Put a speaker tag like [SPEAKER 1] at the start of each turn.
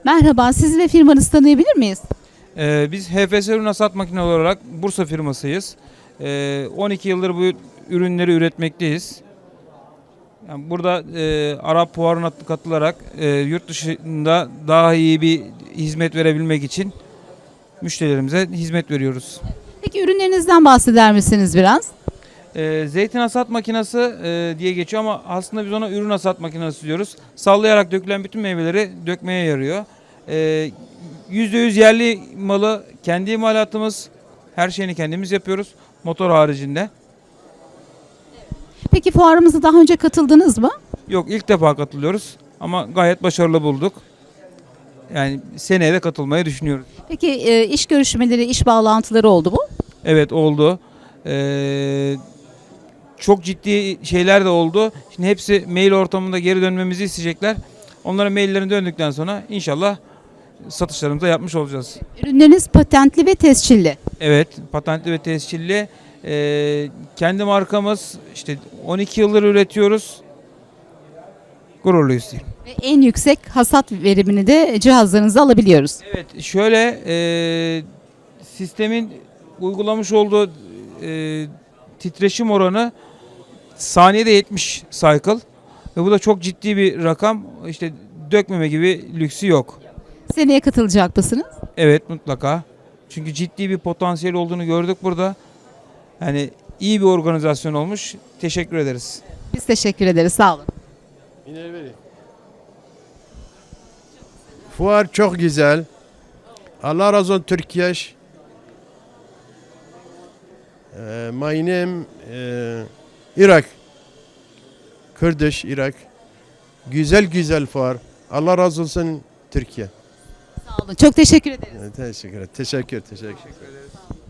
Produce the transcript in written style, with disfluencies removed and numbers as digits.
[SPEAKER 1] Merhaba, sizi ve firmanızı tanıyabilir miyiz?
[SPEAKER 2] Biz HFS ürün hasat makineleri olarak Bursa firmasıyız. 12 yıldır bu ürünleri üretmekteyiz. Yani burada Arap Fuarı'na katılarak yurt dışında daha iyi bir hizmet verebilmek için müşterilerimize hizmet veriyoruz.
[SPEAKER 1] Peki ürünlerinizden bahseder misiniz biraz?
[SPEAKER 2] Zeytin hasat makinesi diye geçiyor ama aslında biz ona ürün hasat makinesi diyoruz. Sallayarak dökülen bütün meyveleri dökmeye yarıyor. %100 yerli malı, kendi imalatımız, her şeyini kendimiz yapıyoruz motor haricinde.
[SPEAKER 1] Peki fuarımıza daha önce katıldınız mı?
[SPEAKER 2] Yok, ilk defa katılıyoruz ama gayet başarılı bulduk. Yani seneye de katılmayı düşünüyoruz.
[SPEAKER 1] Peki iş görüşmeleri, iş bağlantıları oldu mu?
[SPEAKER 2] Evet, oldu. Çok ciddi şeyler de oldu. Şimdi hepsi mail ortamında geri dönmemizi isteyecekler. Onlara maillerini döndükten sonra inşallah satışlarımızı da yapmış olacağız.
[SPEAKER 1] Ürünleriniz patentli ve tescilli.
[SPEAKER 2] Evet, patentli ve tescilli. Kendi markamız, işte 12 yıldır üretiyoruz. Gururluyuz diyeyim.
[SPEAKER 1] Ve en yüksek hasat verimini de cihazlarınızda alabiliyoruz.
[SPEAKER 2] Evet, şöyle sistemin uygulamış olduğu titreşim oranı saniyede 70 cycle ve bu da çok ciddi bir rakam. İşte dökmeme gibi lüksü yok.
[SPEAKER 1] Seneye katılacak mısınız?
[SPEAKER 2] Evet, mutlaka. Çünkü ciddi bir potansiyel olduğunu gördük burada. Yani iyi bir organizasyon olmuş. Teşekkür ederiz.
[SPEAKER 1] Biz teşekkür ederiz, sağ olun.
[SPEAKER 3] Fuar çok güzel. Allah razı olsun Türkiye. My name Irak. Kurdish Irak. Güzel güzel fuar. Allah razı olsun Türkiye.
[SPEAKER 1] Sağ olun. Çok teşekkür ederiz.
[SPEAKER 3] Teşekkür ederim. Teşekkür.